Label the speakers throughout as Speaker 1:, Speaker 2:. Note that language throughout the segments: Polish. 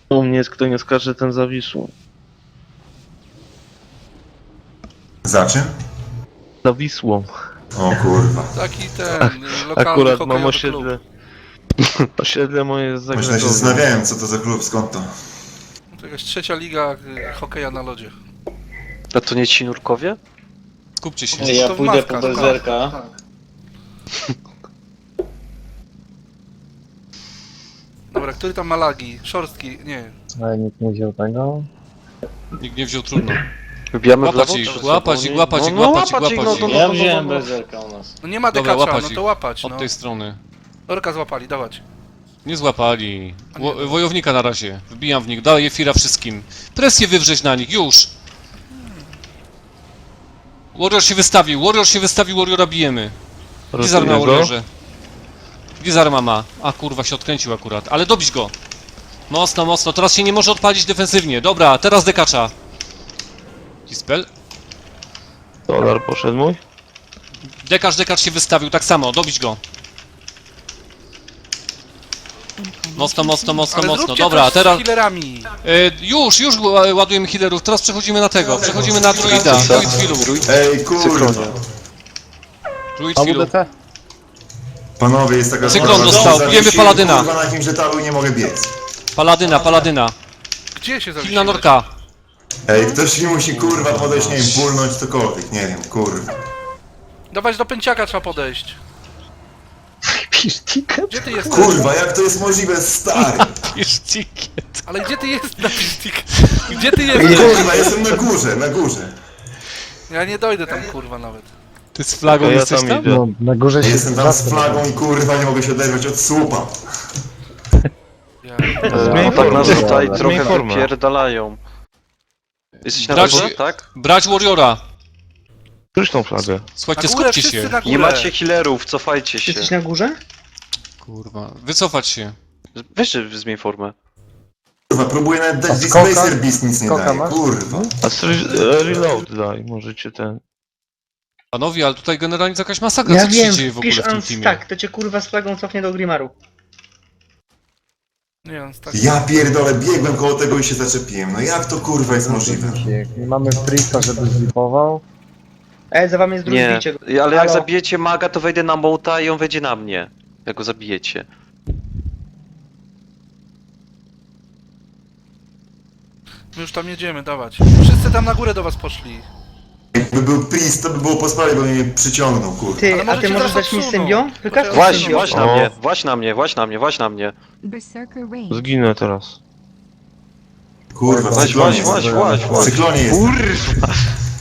Speaker 1: U mnie jest kto nie skacze, ten zawisł.
Speaker 2: Za czym?
Speaker 1: Za Wisłą.
Speaker 2: O kurwa.
Speaker 3: Taki ten lokalny
Speaker 1: Akurat mam
Speaker 3: hokejowy klub.
Speaker 1: osiedle. Osiedle moje jest
Speaker 2: Myślę, się
Speaker 1: zagrożone.
Speaker 2: zastanawiałem, co to za klub, skąd to?
Speaker 3: To jakaś trzecia liga hokeja na lodzie.
Speaker 4: A to nie ci nurkowie?
Speaker 5: Skupcie się.
Speaker 3: To
Speaker 6: Ja
Speaker 3: w
Speaker 6: pójdę
Speaker 3: mawkach,
Speaker 6: po bezerka.
Speaker 3: tak. Dobra, który tam ma lagi? Szorstki? Nie.
Speaker 7: Ale nikt nie wziął tego.
Speaker 5: Nikt nie wziął, trudno.
Speaker 4: Wybijamy w
Speaker 5: Łapać
Speaker 4: lewo?
Speaker 5: ich,
Speaker 4: czy
Speaker 5: łapać
Speaker 4: z
Speaker 5: ich,
Speaker 4: sobą?
Speaker 5: łapać ich,
Speaker 4: No,
Speaker 5: łapać ich,
Speaker 4: łapać ich,
Speaker 5: łapać
Speaker 4: no to-
Speaker 5: ich.
Speaker 6: Ja wziąłem bezerka u nas.
Speaker 3: No nie ma
Speaker 5: Dobra,
Speaker 3: dekacza,
Speaker 5: łapać
Speaker 3: no
Speaker 5: ich.
Speaker 3: to łapać, no.
Speaker 5: Od tej strony.
Speaker 3: Orka złapali, dawać.
Speaker 5: Nie złapali. Wojownika na razie. Wbijam w nich, daję fira wszystkim. Presję wywrzeć na nich, już! Warrior się wystawił, Warriora bijemy. Gdzie z arma, Warriorze? Gdzie z arma ma? A kurwa, się odkręcił akurat. Ale dobić go! Mocno, mocno, teraz się nie może odpalić defensywnie. Dobra, teraz dekacza. Dispel.
Speaker 1: Dolar poszedł mój.
Speaker 5: Dekacz się wystawił, tak samo, dobić go. Mocno, mocno, mocno,
Speaker 3: Ale
Speaker 5: mocno.
Speaker 3: zróbcie
Speaker 5: Dobra,
Speaker 3: coś
Speaker 5: teraz...
Speaker 3: z healerami.
Speaker 5: Już ładujemy healerów, teraz przechodzimy na tego, przechodzimy na druida. Druid healu.
Speaker 2: Ej, kurwa.
Speaker 5: Druid healu.
Speaker 2: Panowie, jest taka
Speaker 5: Cyklon
Speaker 2: sprawa,
Speaker 5: dostał,
Speaker 2: że
Speaker 5: bijemy
Speaker 2: zawiesiłem,
Speaker 5: Paladyna.
Speaker 2: Kurwa, na jakimś etalu nie mogę biec.
Speaker 5: Paladyna.
Speaker 3: Gdzie się
Speaker 5: Heal na
Speaker 3: zawiesiłeś?
Speaker 5: Norka.
Speaker 2: Ej, ktoś mi musi kurwa podejść, nie wiem, pulnąć cokolwiek, nie wiem, kurwa.
Speaker 3: Dawać do pęciaka trzeba podejść.
Speaker 7: Pisz ticket.
Speaker 3: Gdzie ty jesteś?
Speaker 2: Kurwa, jak to jest możliwe, stary?
Speaker 5: Pisz ticket.
Speaker 3: Ale gdzie ty jesteś na pistik? Gdzie ty jesteś?
Speaker 2: Kurwa, jestem na górze.
Speaker 3: Ja nie dojdę tam kurwa nawet.
Speaker 5: Ty z flagą
Speaker 1: To ja
Speaker 5: jesteś
Speaker 1: tam
Speaker 5: tam?
Speaker 1: idę.
Speaker 7: No, na górze się
Speaker 2: Jestem tam z flagą i kurwa nie mogę się oderwać od słupa.
Speaker 3: Ja...
Speaker 1: Zmień
Speaker 4: No tak nas
Speaker 1: formę.
Speaker 4: tutaj
Speaker 1: Zmień
Speaker 4: trochę
Speaker 1: formę.
Speaker 4: wypierdalają. Jesteś na
Speaker 5: Brać-
Speaker 4: górze, tak?
Speaker 5: Brać Warriora.
Speaker 1: Któryś tą flagę.
Speaker 5: Słuchajcie,
Speaker 3: Na górę,
Speaker 5: skupcie
Speaker 3: wszyscy
Speaker 5: się.
Speaker 3: na górę.
Speaker 4: Nie macie healerów, cofajcie się.
Speaker 6: Jesteś na górze?
Speaker 5: Kurwa, wycofać się.
Speaker 4: Weź zmień formę.
Speaker 2: Kurwa, próbuję nawet dać
Speaker 7: A
Speaker 2: Displacer
Speaker 7: skoka?
Speaker 2: Beast, nic nie
Speaker 7: Skoka
Speaker 2: daje,
Speaker 7: masz?
Speaker 2: kurwa.
Speaker 1: A reload daj, możecie ten.
Speaker 5: Panowie, ale tutaj generalnie to jakaś masakra,
Speaker 6: Ja
Speaker 5: co się
Speaker 6: wiem,
Speaker 5: dzieje w ogóle
Speaker 6: wpisz
Speaker 5: w tym teamie.
Speaker 6: tak, to cię kurwa z flagą cofnie do Grimaru.
Speaker 3: Nie, on tak...
Speaker 2: Ja pierdolę, biegłem koło tego i się zaczepiłem. No jak to kurwa jest możliwe?
Speaker 7: Nie mamy Priesta, żeby zlipował.
Speaker 6: Za wami jest drugi
Speaker 4: Nie,
Speaker 6: bicie.
Speaker 4: ale jak
Speaker 6: Halo?
Speaker 4: zabijecie maga, to wejdę na Mouta i on wejdzie na mnie. Jak go zabijecie.
Speaker 3: My już tam jedziemy, dawać. Wszyscy tam na górę do was poszli.
Speaker 2: Jakby był Priest, to by było po sprawie, bo mnie przyciągnął, kurwa.
Speaker 6: Ty,
Speaker 3: Ale
Speaker 6: a
Speaker 3: możecie
Speaker 6: ty możesz
Speaker 3: teraz
Speaker 6: dać mi
Speaker 3: odsunąć.
Speaker 6: symbio? Wykaż mi
Speaker 4: Właź
Speaker 6: symbio.
Speaker 4: na
Speaker 1: O.
Speaker 4: mnie, właź na mnie.
Speaker 8: Berserker Range.
Speaker 1: Zginę teraz.
Speaker 2: Kurwa, w
Speaker 4: Właź.
Speaker 2: W cyklonie jest.
Speaker 4: Kurwa!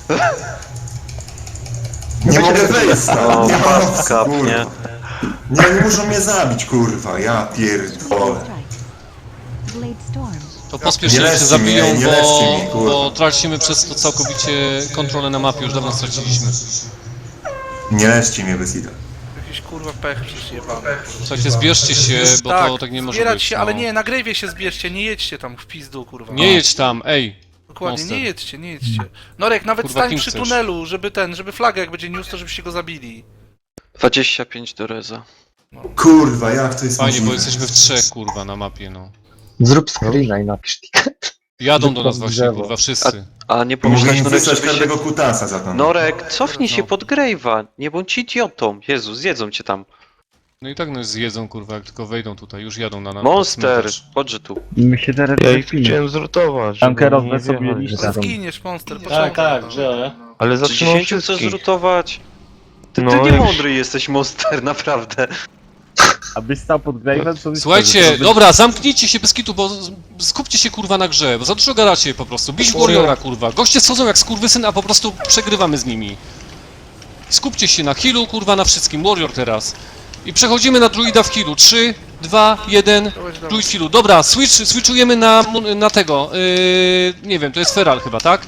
Speaker 2: Nie mogę wejść, stary.
Speaker 4: O,
Speaker 2: Nie mam
Speaker 4: fast
Speaker 2: opcji,
Speaker 4: cap,
Speaker 2: kurwa.
Speaker 4: nie?
Speaker 2: Nie muszą mnie zabić, kurwa. Ja pierdolę.
Speaker 8: Strike. Blade Storm.
Speaker 5: To pospiesznie
Speaker 2: Nie
Speaker 5: się
Speaker 2: lećcie
Speaker 5: zabiją,
Speaker 2: mnie, nie lećcie mnie, kurwa.
Speaker 5: bo tracimy przez to całkowicie kontrolę na mapie, już dawno straciliśmy.
Speaker 2: Nie leczcie mnie bez ida.
Speaker 3: Jakiś kurwa pech przecież jebany.
Speaker 5: Słuchajcie, zbierzcie się, bo to tak nie może
Speaker 3: zbierać
Speaker 5: być.
Speaker 3: się,
Speaker 5: no.
Speaker 3: ale nie, na grejwie się zbierzcie, nie jedźcie tam w pizdu kurwa.
Speaker 5: Nie jedź tam, ej!
Speaker 3: Dokładnie,
Speaker 5: Monster.
Speaker 3: nie jedźcie. Norek, nawet
Speaker 5: Kurwa,
Speaker 3: stań
Speaker 5: kim
Speaker 3: przy
Speaker 5: chcesz?
Speaker 3: tunelu, żeby flagę jak będzie news, to żebyście go zabili.
Speaker 4: 25 do reza.
Speaker 2: Kurwa, jak to jest
Speaker 5: Fajnie, bo
Speaker 2: możliwe?
Speaker 5: jesteśmy w trzech, kurwa, na mapie, no.
Speaker 7: Zrób screena i napisz ticket.
Speaker 5: Jadą do nas
Speaker 7: Drzewo.
Speaker 5: właśnie, kurwa, wszyscy.
Speaker 4: A nie
Speaker 2: Mogę
Speaker 4: pomyślałeś,
Speaker 2: im
Speaker 4: Norek,
Speaker 2: wysłać
Speaker 4: żeby się...
Speaker 2: każdego kutasa za to.
Speaker 4: Norek, cofnij się
Speaker 5: No.
Speaker 4: pod Grave'a. Nie bądź idiotą. Jezu, zjedzą cię tam.
Speaker 5: No i tak nas zjedzą, kurwa, jak tylko wejdą tutaj, już jadą na nas.
Speaker 4: Monster, chodźże tu.
Speaker 7: My się teraz
Speaker 1: Ja ich chciałem zrotować.
Speaker 7: Tankerowe
Speaker 1: żeby nie
Speaker 7: sobie
Speaker 1: wjechali.
Speaker 7: liście.
Speaker 3: Ale zginiesz, monster,
Speaker 6: Tak,
Speaker 3: poczekaj.
Speaker 6: tak,
Speaker 3: no.
Speaker 6: że.
Speaker 1: Ale
Speaker 4: Czy
Speaker 1: zatrzymał
Speaker 4: 10 chcesz
Speaker 1: wszystkich.
Speaker 4: zrutować? Ty
Speaker 1: No,
Speaker 4: nie
Speaker 1: jak-
Speaker 4: mądry jesteś, Monster, naprawdę.
Speaker 7: Abyś stał pod Grave'em, to
Speaker 5: Słuchajcie, dobra, zamknijcie się bez kitu, bo skupcie się, kurwa, na grze, bo za dużo gadacie po prostu. Bić Warriora, kurwa. Goście schodzą jak skurwysyn, a po prostu przegrywamy z nimi. Skupcie się na healu, kurwa, na wszystkim. Warrior teraz. I przechodzimy na druida w healu. 3, 2, 1, druid w healu. Dobra, switchujemy na tego. Nie wiem, to jest Feral chyba, tak?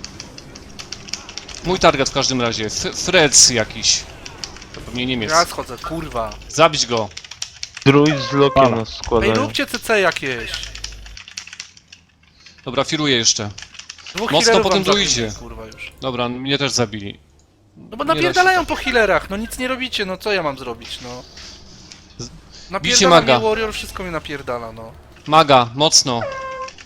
Speaker 5: Mój target w każdym razie. Freds jakiś. To pewnie Niemiec.
Speaker 3: Ja schodzę, kurwa.
Speaker 5: Zabić go.
Speaker 1: Druid z lokiem
Speaker 7: Pana.
Speaker 1: nas
Speaker 3: Ej,
Speaker 1: składają.
Speaker 3: róbcie CC jakieś.
Speaker 5: Dobra, firuję jeszcze.
Speaker 3: Dwóch
Speaker 5: Mocno
Speaker 3: healerów
Speaker 5: po tym
Speaker 3: wam zabili,
Speaker 5: druidzie.
Speaker 3: kurwa już.
Speaker 5: Dobra, mnie też zabili.
Speaker 3: No bo
Speaker 5: Nie da
Speaker 3: napierdalają po healerach, no nic nie robicie, no co ja mam zrobić, no.
Speaker 5: Bicie
Speaker 3: Napierdala mnie
Speaker 5: maga.
Speaker 3: Warrior, wszystko mnie napierdala, no.
Speaker 5: Maga, mocno.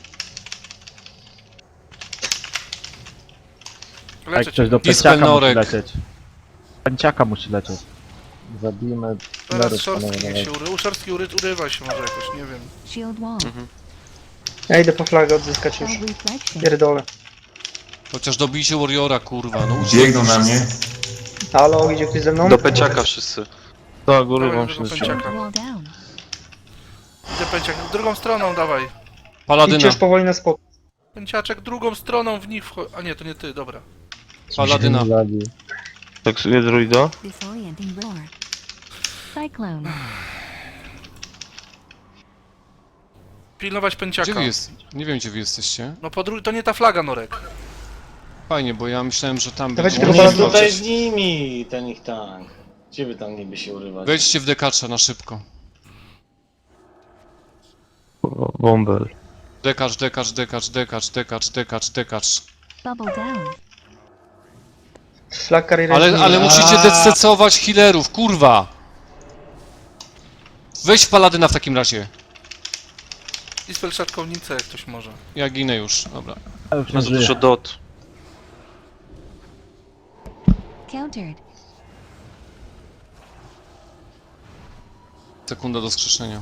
Speaker 3: leczę
Speaker 7: ktoś do
Speaker 3: cię.
Speaker 5: Dispel
Speaker 7: pęciaka musi
Speaker 5: Norek.
Speaker 7: lecieć. Pęciaka musi lecieć. Zabijmy...
Speaker 3: Teraz
Speaker 7: Lerus,
Speaker 3: Szorstki
Speaker 7: panowie,
Speaker 3: niech się Szorstki urywa się może jakoś, nie wiem.
Speaker 8: Shield wall.
Speaker 6: Ja idę po flagę odzyskać już.
Speaker 8: Shell reflection.
Speaker 6: Pierdolę.
Speaker 5: Chociaż dobijcie Warriora, kurwa, no
Speaker 2: Biegną na mnie.
Speaker 6: Halo, idzie ktoś ze mną?
Speaker 4: Do peciaka wszyscy.
Speaker 1: Tak, góry
Speaker 3: Dawaj,
Speaker 1: wam
Speaker 3: do
Speaker 1: się
Speaker 3: pęciaka.
Speaker 1: zaczyna.
Speaker 8: Shield wall down.
Speaker 3: Idę pęciak, drugą stroną dawaj.
Speaker 6: Idźcie
Speaker 5: Paladyna,
Speaker 6: już powoli na spokój.
Speaker 3: Pęciaczek drugą stroną w nich A nie, to nie ty, dobra.
Speaker 5: Paladyna.
Speaker 7: Zabił.
Speaker 1: Taksuję druida.
Speaker 8: Disorienting roar. Cyclone.
Speaker 3: Pilnować pęciaka.
Speaker 5: Gdzie wy jest? Nie wiem, gdzie wy jesteście.
Speaker 3: No to nie ta flaga, Norek.
Speaker 5: Fajnie, bo ja myślałem, że tam...
Speaker 6: Dawajcie
Speaker 5: będzie-
Speaker 6: tego
Speaker 9: On
Speaker 6: balansu.
Speaker 9: jest tutaj z nimi, ten ich tank. Gdzie wy tam niby się urywać?
Speaker 5: Wejdźcie w dekacza na szybko.
Speaker 1: Bombel.
Speaker 5: Dekacz, dekacz, dekacz, dekacz, dekacz, dekacz, dekacz.
Speaker 8: Bubble down.
Speaker 6: Flag carrier
Speaker 5: Ale musicie dececować healerów, kurwa! Weź paladyna w takim razie.
Speaker 3: Dispel szatkownicę jak ktoś może.
Speaker 5: Ja ginę już, dobra.
Speaker 7: Ja już
Speaker 4: Ma
Speaker 7: nie
Speaker 4: za
Speaker 7: żyję.
Speaker 4: dużo dot.
Speaker 8: Countered.
Speaker 5: Sekunda do skrzeszenia.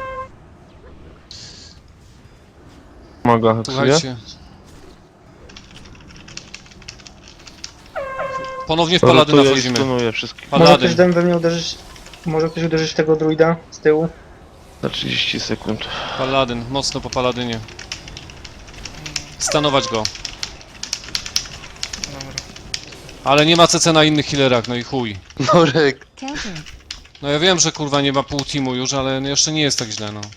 Speaker 1: Maga heksuje.
Speaker 5: Słuchajcie. Ponownie w
Speaker 1: Rotuję
Speaker 5: paladyna
Speaker 1: i
Speaker 5: wchodzimy.
Speaker 1: stunuję wszystkich.
Speaker 6: Może ktoś
Speaker 5: Paladyn.
Speaker 6: we mnie uderzyć... Może ktoś uderzyć w tego druida z tyłu?
Speaker 1: Na 30 sekund.
Speaker 5: Paladyn, mocno po paladynie. Stanować go.
Speaker 3: Dobra.
Speaker 5: Ale nie ma CC na innych healerach, no i chuj.
Speaker 4: Norek.
Speaker 8: Countered.
Speaker 5: No ja wiem, że kurwa nie ma pół teamu już, ale jeszcze nie jest tak źle, no.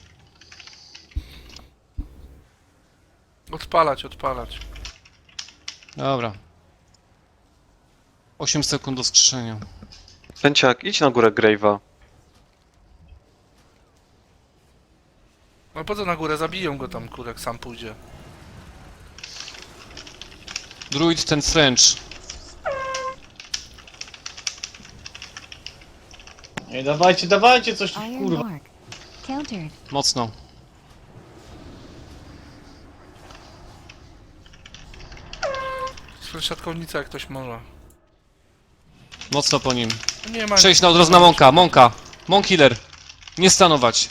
Speaker 3: Odpalać.
Speaker 5: Dobra. 8 sekund do skrzeszenia.
Speaker 4: Pęciak, idź na górę Grave'a.
Speaker 3: No po co na górę? Zabiją go tam, kurek, sam pójdzie.
Speaker 5: Druid ten French.
Speaker 9: Ej, dawajcie coś tu,
Speaker 8: Iron
Speaker 9: kurwa.
Speaker 8: mark. Countered.
Speaker 5: Mocno.
Speaker 3: Dispel szatkownicę jak ktoś może.
Speaker 5: Mocno po nim.
Speaker 3: Nie ma...
Speaker 5: Przejść na od razu na Monka. Monka. Monk healer. Nie stanować.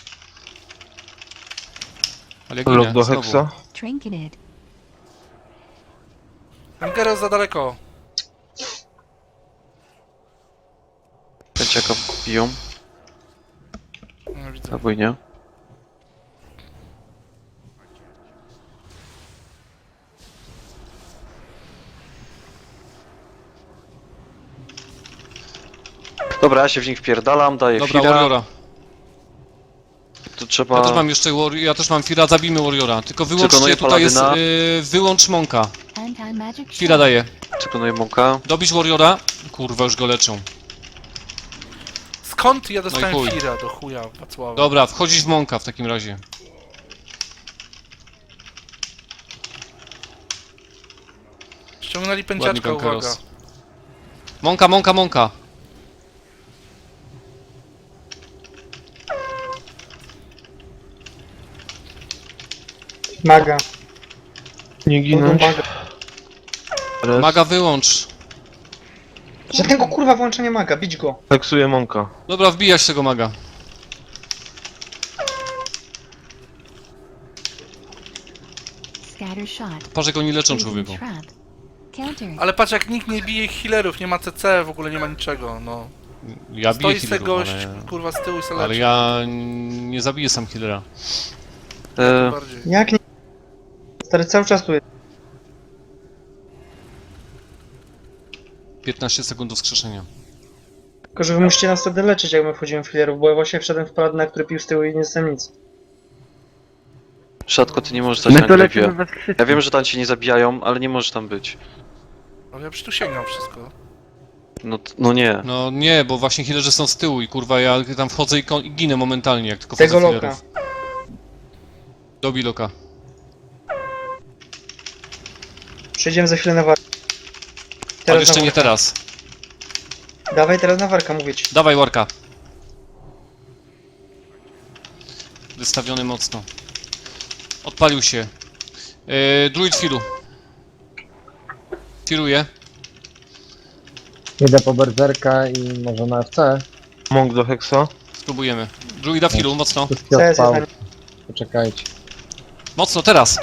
Speaker 5: Ale
Speaker 1: Lok
Speaker 5: ginę,
Speaker 1: do
Speaker 5: znowu.
Speaker 1: heksa.
Speaker 8: Trinketed.
Speaker 3: Angeros za daleko.
Speaker 4: Pęciaka biją.
Speaker 3: No widzę.
Speaker 4: Albo i nie. Dobra, ja się w nich wpierdalam, daję
Speaker 5: Dobra,
Speaker 4: chwilę.
Speaker 5: Warriora.
Speaker 4: To trzeba...
Speaker 5: Ja też mam jeszcze ja też mam Fira, zabijmy Warriora. Tylko wyłączcie,
Speaker 4: Przekonuję
Speaker 5: tutaj jest,
Speaker 4: Paladyna.
Speaker 5: wyłącz Monka.
Speaker 8: Anti-magic
Speaker 5: Fira
Speaker 8: shield.
Speaker 5: daje.
Speaker 4: Przekonuję Monka.
Speaker 5: Dobić Warriora. Kurwa, już go leczą.
Speaker 3: Skąd ja dostałem
Speaker 5: chuj.
Speaker 3: Fira do chuja, Wacława?
Speaker 5: Dobra, wchodzisz w Monka w takim razie.
Speaker 3: Ściągnęli
Speaker 5: Ładnie,
Speaker 3: pęciaczka, uwaga.
Speaker 5: Kankeros. Monka, Monka, Monka.
Speaker 6: Maga.
Speaker 1: Nie ginąć.
Speaker 6: Maga.
Speaker 1: Res.
Speaker 5: Maga wyłącz.
Speaker 6: Żadnego kurwa włączenia maga, bić go.
Speaker 1: Heksuję Monka.
Speaker 5: Dobra, wbijać tego maga.
Speaker 8: Scatter shot.
Speaker 5: Patrz jak oni leczą
Speaker 8: Using
Speaker 5: człowieku.
Speaker 8: trap. Countered.
Speaker 3: Ale patrz jak nikt nie bije healerów, nie ma CC, w ogóle nie ma niczego, no.
Speaker 5: Ja biję
Speaker 3: Stoi se
Speaker 5: healerów,
Speaker 3: gość,
Speaker 5: ale...
Speaker 3: kurwa, z tyłu i se
Speaker 5: Ale
Speaker 3: leczy.
Speaker 5: ja nie zabiję sam healera.
Speaker 3: Bardziej.
Speaker 6: Jak nie... Stary cały czas tu jest.
Speaker 5: 15 sekund do skrzeszenia.
Speaker 6: Tylko, że wy musicie nas wtedy leczyć, jak my wchodzimy w healerów, bo ja właśnie wszedłem w paladynę, który pił z tyłu i nie jestem nic.
Speaker 4: Szatko, ty nie możesz stać
Speaker 7: My
Speaker 4: na
Speaker 7: to lecimy
Speaker 4: Grave'ie.
Speaker 7: we wszyscy.
Speaker 4: Ja wiem, że tam cię nie zabijają, ale nie możesz tam być.
Speaker 3: Ale ja przecież tu sięgam wszystko.
Speaker 4: No nie.
Speaker 5: No nie, bo właśnie healerzy są z tyłu i kurwa ja tam wchodzę i ginę momentalnie jak tylko
Speaker 6: Tego
Speaker 5: wchodzę w
Speaker 6: loka.
Speaker 5: healerów. Dobij loka.
Speaker 6: Przejdziemy za chwilę na warkę.
Speaker 5: Ale jeszcze
Speaker 6: na
Speaker 5: nie
Speaker 6: warka.
Speaker 5: teraz.
Speaker 6: Dawaj teraz na warka, mówię ci.
Speaker 5: Dawaj Warka. Wystawiony mocno. Odpalił się. Druid firu. Firuje.
Speaker 7: Jedę po berserka i może na FC.
Speaker 1: Monk do Hexa.
Speaker 5: Spróbujemy. Druida w healu, mocno.
Speaker 7: Wszystkie
Speaker 6: CS jest
Speaker 7: odpał.
Speaker 6: na nim.
Speaker 7: Poczekajcie.
Speaker 5: Mocno, teraz.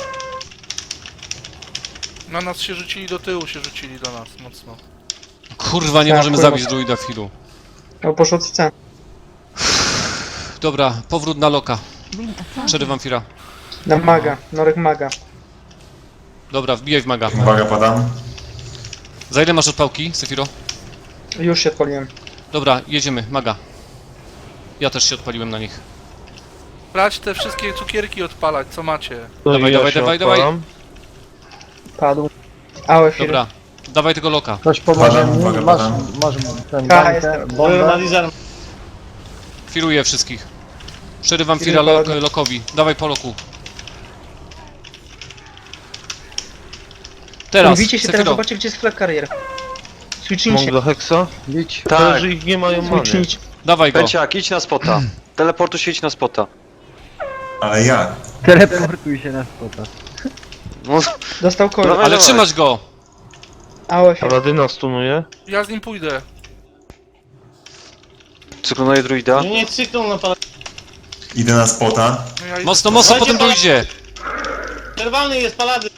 Speaker 3: Na nas się rzucili, do tyłu się rzucili do nas, mocno.
Speaker 5: Kurwa, nie
Speaker 6: Tak,
Speaker 5: możemy
Speaker 6: kurwa.
Speaker 5: zabić druida w healu.
Speaker 6: O, poszło CC.
Speaker 5: Dobra, powrót na loka.
Speaker 8: Ring of counter.
Speaker 5: Przerywam Fira.
Speaker 6: Na maga, Norek maga.
Speaker 5: Dobra, wbijaj w maga.
Speaker 2: Uwaga, padam.
Speaker 5: Za ile masz odpałki, Sefiro?
Speaker 6: Już się odpaliłem.
Speaker 5: Dobra, jedziemy, maga. Ja też się odpaliłem na nich.
Speaker 3: Brać te wszystkie cukierki odpalać, co macie.
Speaker 1: To
Speaker 5: Dawaj,
Speaker 1: i ja
Speaker 5: dawaj,
Speaker 1: się
Speaker 5: dawaj,
Speaker 1: odpalam.
Speaker 6: Padł. Ałe chwilę.
Speaker 5: Dobra, dawaj tego loka.
Speaker 7: Ktoś pomoże
Speaker 2: Padam,
Speaker 7: mi?
Speaker 2: uwaga,
Speaker 7: Masz,
Speaker 2: padam.
Speaker 7: masz ten
Speaker 6: A,
Speaker 7: bańkę,
Speaker 6: jestem.
Speaker 7: bombę?
Speaker 9: Analizar.
Speaker 5: Firuję wszystkich. Przerywam
Speaker 6: Firuj
Speaker 5: Fira
Speaker 6: ładnie.
Speaker 5: lokowi. Dawaj po loku. Teraz,
Speaker 6: Mówicie się teraz,
Speaker 5: Sefiro.
Speaker 6: zobaczcie gdzie jest flag carrier.
Speaker 1: Monk
Speaker 6: Switchnijcie.
Speaker 1: do Hexa.
Speaker 7: Bić.
Speaker 4: Tak,
Speaker 1: Tak. Że ich nie mają many.
Speaker 6: Switchnijcie.
Speaker 5: Dawaj go.
Speaker 4: Pęciak, idź na spota. Teleportu się idź na spota.
Speaker 2: Ale ja.
Speaker 7: Teleportuj się na spota.
Speaker 4: No,
Speaker 6: Dostał koło.
Speaker 4: Dawaj,
Speaker 5: Ale
Speaker 4: dawaj.
Speaker 5: trzymać go.
Speaker 6: Ałe chwilę.
Speaker 1: Paladyna stunuje.
Speaker 3: Ja z nim pójdę.
Speaker 4: cyklonuję druida.
Speaker 9: Nie cykną na palec.
Speaker 2: Idę na spota.
Speaker 3: No ja idę
Speaker 5: Mocno,
Speaker 3: z-
Speaker 5: mocno
Speaker 9: Dawajcie
Speaker 5: potem
Speaker 9: pala-
Speaker 5: dojdzie.
Speaker 9: Czerwony jest palady.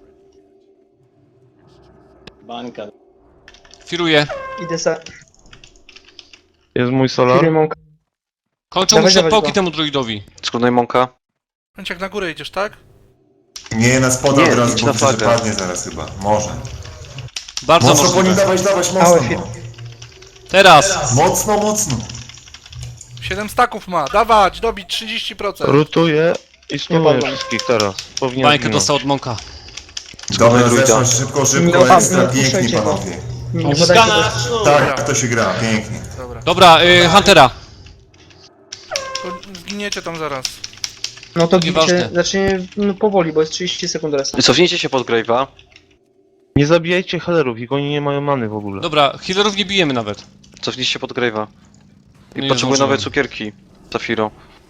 Speaker 9: Bańka.
Speaker 5: Firuję.
Speaker 6: Idę za...
Speaker 1: Jest mój solar.
Speaker 6: Firy Monk.
Speaker 5: Kończą
Speaker 6: Dawaj,
Speaker 5: mu się
Speaker 6: dawaj
Speaker 5: odpałki
Speaker 6: go.
Speaker 5: temu druidowi.
Speaker 4: Cyklonuję Monka.
Speaker 3: Pęciak, na górę idziesz, tak?
Speaker 2: Nie, na spota
Speaker 4: Nie,
Speaker 2: od razu,
Speaker 4: idź
Speaker 2: bo
Speaker 4: na
Speaker 2: widzę, że
Speaker 4: flagę.
Speaker 2: padnie zaraz chyba. Może.
Speaker 5: Bardzo
Speaker 2: Mocno po nim
Speaker 5: możliwe.
Speaker 2: dawać,
Speaker 6: Małe
Speaker 2: mocno.
Speaker 6: firmy.
Speaker 5: Teraz.
Speaker 2: Mocno, mocno.
Speaker 3: 7 staków ma, dawać, dobić 30%.
Speaker 1: Rutuje i stunuje
Speaker 6: padłem.
Speaker 1: wszystkich teraz. Powinien
Speaker 5: Bańkę
Speaker 1: zginąć.
Speaker 5: dostał od Monka.
Speaker 2: Dobra,
Speaker 4: druida.
Speaker 2: zeszło szybko,
Speaker 6: Nie
Speaker 2: szybko,
Speaker 6: padł,
Speaker 2: ekstra,
Speaker 6: nie
Speaker 2: pięknie
Speaker 6: puszczajcie go.
Speaker 2: panowie.
Speaker 6: Nie podajcie
Speaker 9: Skana,
Speaker 6: go.
Speaker 9: sznur.
Speaker 2: Tak, to się gra, pięknie.
Speaker 3: Dobra.
Speaker 5: Dobra, Huntera.
Speaker 3: To zginiecie tam zaraz.
Speaker 6: No to
Speaker 5: Nieważne.
Speaker 6: gibicie, zacznie no, powoli, bo jest 30 sekund resa.
Speaker 4: Cofnijcie się pod Grave'a.
Speaker 1: Nie zabijajcie healerów, ich oni nie mają many w ogóle.
Speaker 5: Dobra, healerów nie bijemy nawet.
Speaker 4: Cofnijcie się pod Grave'a. I
Speaker 5: Nie
Speaker 4: potrzebuję
Speaker 5: zdążyłem.
Speaker 4: nowe cukierki. Zafiro.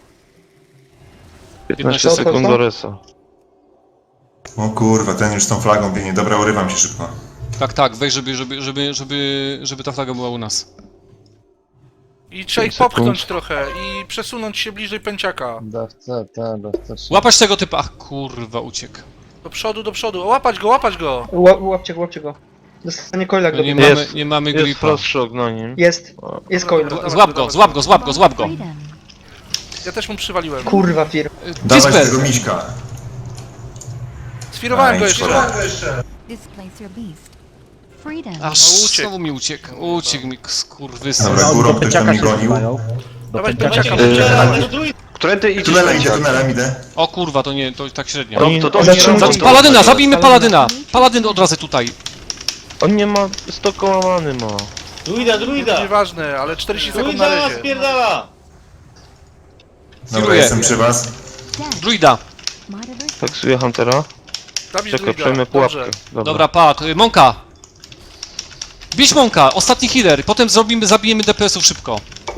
Speaker 1: 15
Speaker 6: Co,
Speaker 1: sekund
Speaker 6: co?
Speaker 1: do resa.
Speaker 2: O kurwa, ten już z tą flagą biegnie. Dobra, urywam się szybko.
Speaker 5: Tak, tak, weź, żeby ta flaga była u nas.
Speaker 3: I trzeba ich
Speaker 1: 5 sekund.
Speaker 3: popchnąć trochę i przesunąć się bliżej pęciaka.
Speaker 7: Dawca, ta, dawca 3.
Speaker 5: Łapać tego typa. Ach, kurwa, uciekł.
Speaker 3: Do przodu, do przodu. O, łapać go, łapać go!
Speaker 6: Łapcie go. Dostanie coila
Speaker 5: No
Speaker 6: go.
Speaker 5: nie mamy
Speaker 1: Jest
Speaker 5: gripa.
Speaker 1: frost shock na nim.
Speaker 6: Jest coil.
Speaker 5: Złap go, złap go, złap go, złap go.
Speaker 8: Freedom.
Speaker 3: Ja też mu przywaliłem.
Speaker 6: Kurwa fir.
Speaker 2: Dawać
Speaker 5: Dispel.
Speaker 2: tego miśka.
Speaker 3: Sfirowałem go
Speaker 2: Aj,
Speaker 3: jeszcze.
Speaker 2: szkoda.
Speaker 8: Displace your beast. Freedom.
Speaker 5: Aż
Speaker 3: No, uciekł.
Speaker 5: znowu mi uciekł mi skurwysyn.
Speaker 2: Dobra, górą ktoś tam mnie gonił.
Speaker 3: Dawaj
Speaker 9: Dawajcie
Speaker 3: pęciaka.
Speaker 9: go, druid.
Speaker 4: Którędy idziesz,
Speaker 2: Tunelem idę,
Speaker 4: Pęciak?
Speaker 2: tunelem idę.
Speaker 5: O kurwa, to nie, to tak średnio.
Speaker 1: Oni,
Speaker 4: To
Speaker 1: oni,
Speaker 4: dobrze.
Speaker 6: Zatrzymujcie.
Speaker 5: Paladyna, zabijmy Paladyna! Paladyn od razu tutaj.
Speaker 1: on nie ma 100 koła many ma.
Speaker 9: Druida.
Speaker 3: Nieważne, ale 40 sekund na
Speaker 9: Druida
Speaker 3: razie.
Speaker 9: spierdala.
Speaker 2: Dobra,
Speaker 5: Firuję.
Speaker 2: jestem przy was.
Speaker 8: Death.
Speaker 5: Druida.
Speaker 8: Monitor.
Speaker 1: Taksuję Huntera.
Speaker 3: Zabić
Speaker 1: Czekaj,
Speaker 3: druida.
Speaker 1: przejmę pułapkę.
Speaker 3: Dobrze.
Speaker 5: Dobra, padł. Monka. Bić Monka, ostatni healer. Potem zabijemy DPS-ów szybko.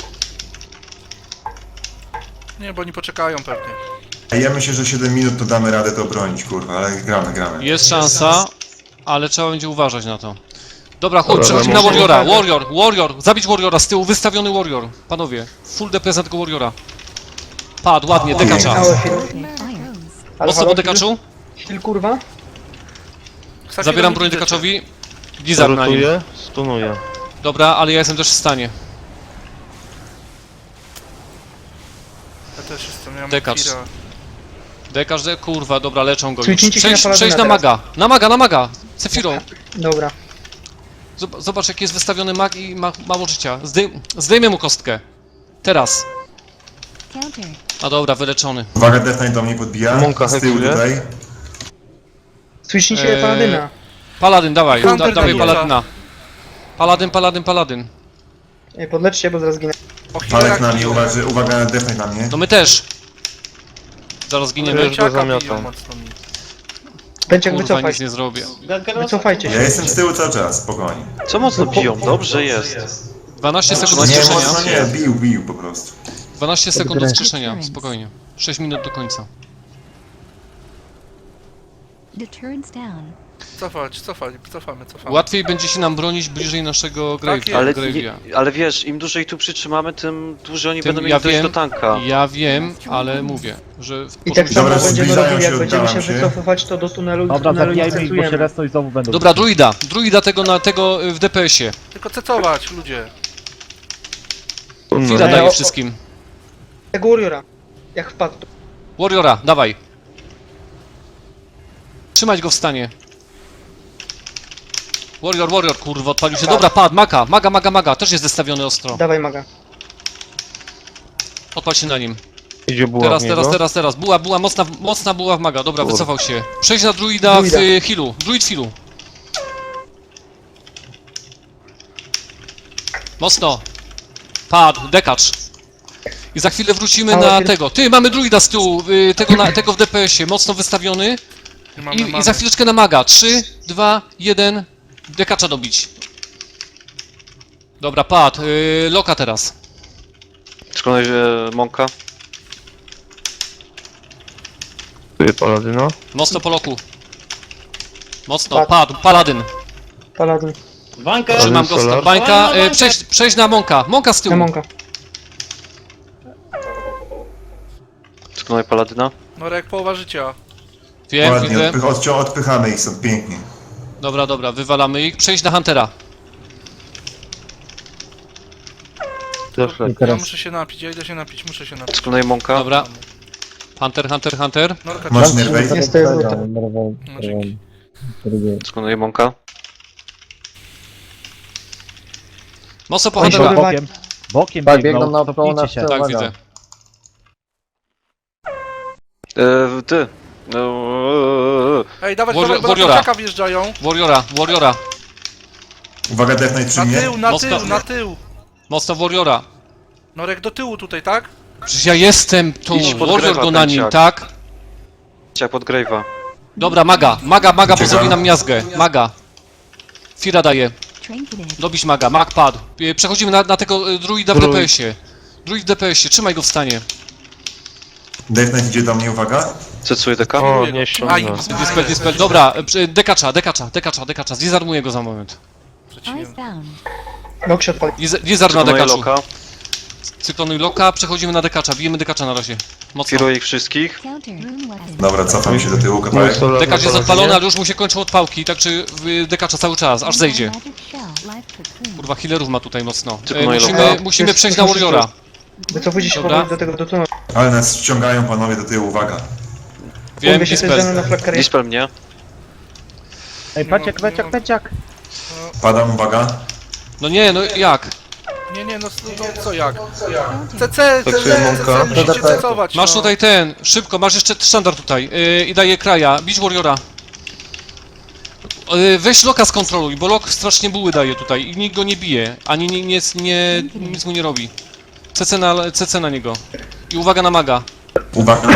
Speaker 3: Nie, bo oni poczekają pewnie.
Speaker 2: Ja myślę, że 7 minut to damy radę to obronić, kurwa, ale gramy.
Speaker 5: Jest szansa, ale trzeba będzie uważać na to. Dobra, chodź,
Speaker 1: Dobra,
Speaker 5: przechodzimy na
Speaker 1: może-
Speaker 5: Warriora. Warrior. Zabić Warriora z tyłu, wystawiony Warrior. Panowie, full DPS na tego Warriora. Padł, ładnie, dekacza.
Speaker 6: Ałe fir.
Speaker 8: Fire.
Speaker 5: Mocno po dekaczu.
Speaker 6: Heal kurwa.
Speaker 3: Ksafiro
Speaker 5: Zabieram
Speaker 3: nie
Speaker 5: broń
Speaker 3: widzę cię.
Speaker 5: dekaczowi. Blizzard na nim.
Speaker 1: Rutuje, stunuje.
Speaker 5: Dobra, ale ja jestem też w stanie.
Speaker 3: Ja też jestem, ja mam
Speaker 5: Dekacz.
Speaker 3: Kira.
Speaker 5: Dekacz, kurwa, dobra, leczą go już.
Speaker 6: Switchnijcie się na Paladyna
Speaker 5: Przejdź na
Speaker 6: teraz.
Speaker 5: maga. Na maga. Cefiro.
Speaker 6: Dobra.
Speaker 5: Zobacz, jaki jest wystawiony mag i ma mało życia. Zdejmę mu kostkę. Teraz.
Speaker 8: Counter.
Speaker 5: A dobra, wyleczony.
Speaker 2: Uwaga, Death Knight do mnie podbija.
Speaker 1: Monka
Speaker 2: Z tyłu
Speaker 1: heksuje.
Speaker 2: tutaj.
Speaker 6: Switchnijcie Paladyna.
Speaker 5: Paladyn, dawaj.
Speaker 3: Hunter
Speaker 5: Dawaj
Speaker 3: zabija.
Speaker 5: Paladyna. Paladyn.
Speaker 6: Podleczcie, bo zaraz ginę.
Speaker 3: O, Hillera
Speaker 2: Palek na mnie,
Speaker 3: biją.
Speaker 2: uwaga, Death Knight na mnie.
Speaker 5: No my też. Zaraz giniemy.
Speaker 1: Wiesz, go
Speaker 3: Pęciaka
Speaker 1: zamiatam.
Speaker 3: biją mocno mi.
Speaker 6: Pęciak
Speaker 5: Kurwa,
Speaker 6: wycofaj
Speaker 5: nic nie zrobię.
Speaker 6: Wycofajcie
Speaker 2: Ja
Speaker 6: się.
Speaker 2: jestem z tyłu cały czas, spokojnie.
Speaker 4: Co mocno biją? Dobrze jest.
Speaker 5: 12 sekund do
Speaker 2: Nie,
Speaker 5: wskrzeszenia.
Speaker 2: mocno nie, bił po prostu.
Speaker 5: 12 sekund do wskrzeszenia, spokojnie. 6 minut do końca.
Speaker 8: Deterrence down.
Speaker 3: Cofamy.
Speaker 5: Łatwiej będzie się nam bronić bliżej naszego
Speaker 3: Tak jest.
Speaker 4: Ale wiesz, im dłużej tu przytrzymamy, tym dłużej oni będą
Speaker 5: ja
Speaker 4: mieli dojść
Speaker 5: wiem,
Speaker 4: do tanka.
Speaker 5: ja wiem, ale mówię, że...
Speaker 6: I tak samo
Speaker 2: Dobra,
Speaker 6: będziemy
Speaker 2: zbliżają
Speaker 6: robili,
Speaker 2: się,
Speaker 6: jak będziemy się
Speaker 2: oddalam się.
Speaker 6: wycofywać, to do tunelu i w
Speaker 7: Dobra,
Speaker 6: tunelu nie
Speaker 7: zabijajmy ich, bo się
Speaker 6: cecujemy.
Speaker 7: resną i znowu będą.
Speaker 5: Dobra, druida tego w DPS-ie.
Speaker 3: Tylko cecować, ludzie.
Speaker 5: Chwila
Speaker 6: Nie,
Speaker 5: daje
Speaker 6: o-
Speaker 5: wszystkim.
Speaker 6: Tego Warriora. Jak wpadł.
Speaker 5: Warriora, dawaj. Trzymać go w stanie. Warrior, kurwa, odpalił się. Dobra, padł, maga, też jest zestawiony ostro.
Speaker 6: Dawaj maga.
Speaker 5: Odpal się na nim.
Speaker 1: Idzie buła w niego.
Speaker 5: Teraz. Była mocna buła w maga. Dobra,
Speaker 1: Kurwa.
Speaker 5: wycofał się. Przejdź na druida w healu. Druid w healu. Mocno. Padł, dekacz. I za chwilę wrócimy
Speaker 6: Ale
Speaker 5: na
Speaker 6: pier-
Speaker 5: tego. Ty, mamy druida z tyłu, tego w DPS-ie, mocno wystawiony. I za chwileczkę na maga. 3, 2, 1. Dekacza dobić. Dobra, padł. Loka teraz.
Speaker 4: Przekonaj Monka.
Speaker 1: Tu jest Paladyna.
Speaker 5: Mocno po loku. Mocno,
Speaker 6: Padł.
Speaker 5: padł. Paladyn.
Speaker 6: Paladin.
Speaker 9: Wankę!
Speaker 5: Trzymam go
Speaker 1: Solar.
Speaker 5: z bańka. Przejść na Monka. Monka z tyłu.
Speaker 6: Demonka.
Speaker 4: Przekonaj Paladyna.
Speaker 3: Norek, połowa życia.
Speaker 5: Wiem,
Speaker 2: Ładnie,
Speaker 5: widzę.
Speaker 2: odpychamy ich stąd, pięknie.
Speaker 5: Dobra, wywalamy ich. Przejść na Huntera.
Speaker 1: Zawsze.
Speaker 7: I
Speaker 3: Ja
Speaker 7: teraz
Speaker 3: muszę się napić, muszę się napić.
Speaker 4: Przekonaj Monka.
Speaker 5: Dobra. Hunter.
Speaker 3: Norka,
Speaker 2: Masz nerwej?
Speaker 6: Nie stoję w
Speaker 7: Dobra,
Speaker 3: No, dzięki.
Speaker 4: Przekonaj Monka.
Speaker 5: Mocno po
Speaker 6: Oni się
Speaker 5: Huntera.
Speaker 6: odbywają.
Speaker 7: bokiem Tak, biegną naokoło na się. wce,
Speaker 5: Tak,
Speaker 7: uwaga.
Speaker 5: widzę.
Speaker 4: Ty.
Speaker 3: Ej, dawać,
Speaker 5: Warriora.
Speaker 3: bo na kurczaka wjeżdżają.
Speaker 5: Warriora.
Speaker 2: Uwaga, Death Knight przy
Speaker 3: Na
Speaker 2: mnie.
Speaker 3: tył, na tył.
Speaker 5: Mocno Warriora.
Speaker 3: Norek, do tyłu tutaj, tak?
Speaker 5: Przecież ja jestem tu.
Speaker 4: Idź pod
Speaker 5: Warrior
Speaker 4: Grewa,
Speaker 5: go na nim,
Speaker 4: pęciak.
Speaker 5: tak?
Speaker 4: Jak pod Grave'a.
Speaker 5: Dobra, maga, bo zrobi nam miazgę. Maga. Fira daje.
Speaker 8: Trinketed.
Speaker 5: Dobić maga, mag padł. Przechodzimy na tego druida w
Speaker 1: Druid.
Speaker 5: DPS-ie. Druid w DPS-ie, trzymaj go w stanie.
Speaker 2: Death Knight idzie do mnie, uwaga.
Speaker 4: Cecuję deka.
Speaker 1: O, nie ściągnę.
Speaker 5: Dispel. Dobra, dekacza. Zdizarmuję go za moment.
Speaker 8: Icebound.
Speaker 6: Lok się odpali.
Speaker 5: Dizar na
Speaker 4: Przekonaj
Speaker 5: dekaczu.
Speaker 4: Loka.
Speaker 5: Cyklonuj loka, przechodzimy na dekacza. Bijemy dekacza na razie. Mocno.
Speaker 4: Firuję ich wszystkich.
Speaker 8: Counter. Rune weapon.
Speaker 2: Dobra, cofam się do tyłu,
Speaker 1: Mój
Speaker 2: kawałek.
Speaker 1: solar
Speaker 5: Dekacz
Speaker 1: na
Speaker 5: jest odpalony,
Speaker 1: Paladynie.
Speaker 5: ale już mu się kończą odpałki, także dekacza cały czas, aż zejdzie.
Speaker 8: Magic shell. Life cocoon.
Speaker 5: Kurwa, healerów ma tutaj mocno.
Speaker 4: Tylko moje
Speaker 5: Musimy,
Speaker 4: loka.
Speaker 5: musimy przejść na Warriora.
Speaker 6: Wycofujcie się
Speaker 5: Dobra.
Speaker 6: powoli do tunelu.
Speaker 2: Ale nas ściągają panowie do tyłu, uwaga.
Speaker 5: Wiem,
Speaker 6: Mówię się, to jest ze mną
Speaker 5: Dispel.
Speaker 6: na flakkerie.
Speaker 4: Dispel mnie.
Speaker 7: Ej, peciak.
Speaker 2: Padam, uwaga.
Speaker 5: No nie, no jak?
Speaker 3: Nie, no co jak?
Speaker 8: Counter.
Speaker 3: CC,
Speaker 1: Monka.
Speaker 3: musicie cecować.
Speaker 5: Masz
Speaker 3: no.
Speaker 5: tutaj szybko, masz jeszcze sztandar tutaj i daje kraja. Bić Warriora. Weź Loka skontroluj, bo Lok strasznie buły daje tutaj i nikt go nie bije, ani nic mu nie robi. CC na niego. I uwaga na maga.
Speaker 2: Uwaga.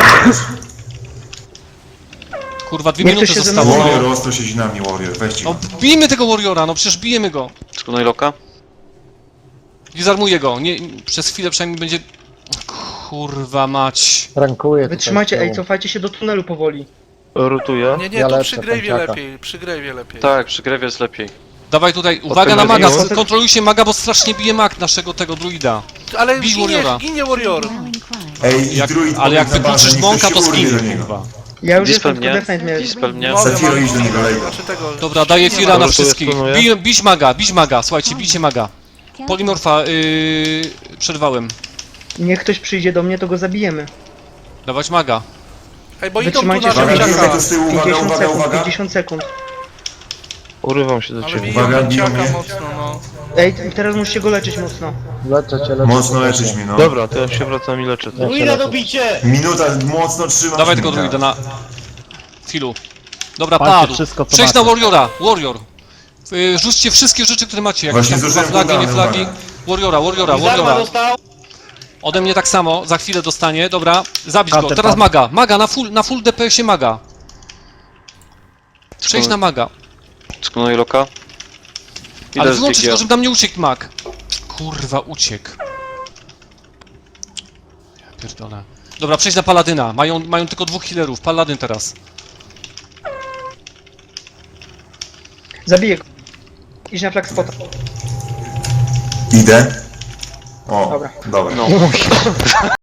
Speaker 5: Kurwa, 2
Speaker 6: Niech
Speaker 5: minuty
Speaker 6: to się
Speaker 5: zostało.
Speaker 2: Warrior ostro siedzi na mnie, Warrior. Weźcie
Speaker 5: No
Speaker 2: go.
Speaker 5: bijmy tego Warriora, no przecież bijemy go.
Speaker 4: Przekonaj Loka.
Speaker 5: Dizarmuję go, nie, przez chwilę przynajmniej będzie... Kurwa mać.
Speaker 7: Rankuję tutaj
Speaker 6: Wytrzymajcie,
Speaker 7: z tyłu.
Speaker 6: ej, cofajcie się do tunelu powoli.
Speaker 1: Rotuję.
Speaker 3: Nie,
Speaker 7: Ja
Speaker 3: tu
Speaker 7: lecę,
Speaker 3: przy Grave'ie
Speaker 7: pęciaka.
Speaker 3: lepiej, przy Grave'ie lepiej.
Speaker 4: Tak, przy Grave'ie jest lepiej.
Speaker 5: Dawaj tutaj, uwaga na
Speaker 1: Odpędzę
Speaker 5: maga,
Speaker 1: go.
Speaker 5: kontrolujcie maga, bo strasznie bije mag naszego tego druida.
Speaker 3: Ale
Speaker 5: Bij Warriora.
Speaker 3: ginie Warrior.
Speaker 8: Rallying cry.
Speaker 2: Ej, i druid
Speaker 5: Ale jak
Speaker 2: pobiegł na bazę,
Speaker 5: wykluczysz
Speaker 2: niech
Speaker 5: mąka,
Speaker 2: ktoś
Speaker 5: to
Speaker 2: się urwie
Speaker 5: zginie,
Speaker 2: do niego.
Speaker 5: kurwa.
Speaker 6: Ja już
Speaker 4: Dispel
Speaker 6: jestem, tylko
Speaker 4: mnie.
Speaker 6: Death Knight mnie...
Speaker 4: Dispel mnie.
Speaker 2: Safiro, idź do niego, lejgo.
Speaker 3: Znaczy tego...
Speaker 5: Dobra, daję Fira na
Speaker 1: Dobra,
Speaker 5: wszystkich.
Speaker 1: planuję.
Speaker 5: Bić maga, słuchajcie, bijcie maga.
Speaker 8: Counter.
Speaker 5: Polimorfa, przerwałem.
Speaker 6: Niech ktoś przyjdzie do mnie, to go zabijemy.
Speaker 5: Dawać maga.
Speaker 3: Ej, bo idą tu
Speaker 6: Wytrzymajcie
Speaker 3: na
Speaker 6: się,
Speaker 2: Uwaga,
Speaker 6: Pęciaka.
Speaker 2: biegnie to z tyłu, uwaga,
Speaker 6: 50
Speaker 2: uwaga,
Speaker 6: sekund,
Speaker 2: uwaga.
Speaker 6: 50 sekund.
Speaker 1: Urywam się do
Speaker 3: Ale
Speaker 1: ciebie.
Speaker 3: biją
Speaker 2: Uwaga, biją
Speaker 3: Pęciaka
Speaker 2: mnie.
Speaker 3: mocno, no.
Speaker 6: Ej, teraz musicie go leczyć mocno.
Speaker 7: Leczę cię.
Speaker 2: Mocno leczyć mnie, no.
Speaker 1: Dobra, to ja się wracam i leczę. to.
Speaker 9: Druida dobicie!
Speaker 2: Minuta, mocno trzymam.
Speaker 5: Dawaj tego druida na... Filu. Dobra,
Speaker 7: Palcie
Speaker 5: padł.
Speaker 7: wszystko, co
Speaker 5: Przejdź na
Speaker 7: macie.
Speaker 5: Warriora, Warrior. Rzućcie wszystkie rzeczy, które macie, jakieś
Speaker 2: Właśnie
Speaker 5: tam
Speaker 2: zużyłem
Speaker 5: flagi, nie
Speaker 2: cooldowny,
Speaker 5: flagi.
Speaker 2: uwaga.
Speaker 5: Warriora.
Speaker 9: dostał!
Speaker 5: Ode mnie tak samo, za chwilę dostanie, dobra. Zabić go,
Speaker 7: Counter
Speaker 5: teraz
Speaker 7: padł.
Speaker 5: maga, na full DPS-ie maga. Przejdź na maga.
Speaker 4: Przekonaj Loka.
Speaker 5: Ale
Speaker 4: Idę z
Speaker 5: wyłączyć
Speaker 4: DG.
Speaker 5: go, żeby nam nie uciekł mag. Kurwa, uciekł. Ja pierdolę. Dobra, przejdź na Paladyna. Mają tylko 2 healerów. Paladyn teraz.
Speaker 6: Zabiję go. Idź na flag spota.
Speaker 2: Idę. O,
Speaker 6: Dobra.
Speaker 2: dobra.
Speaker 4: No.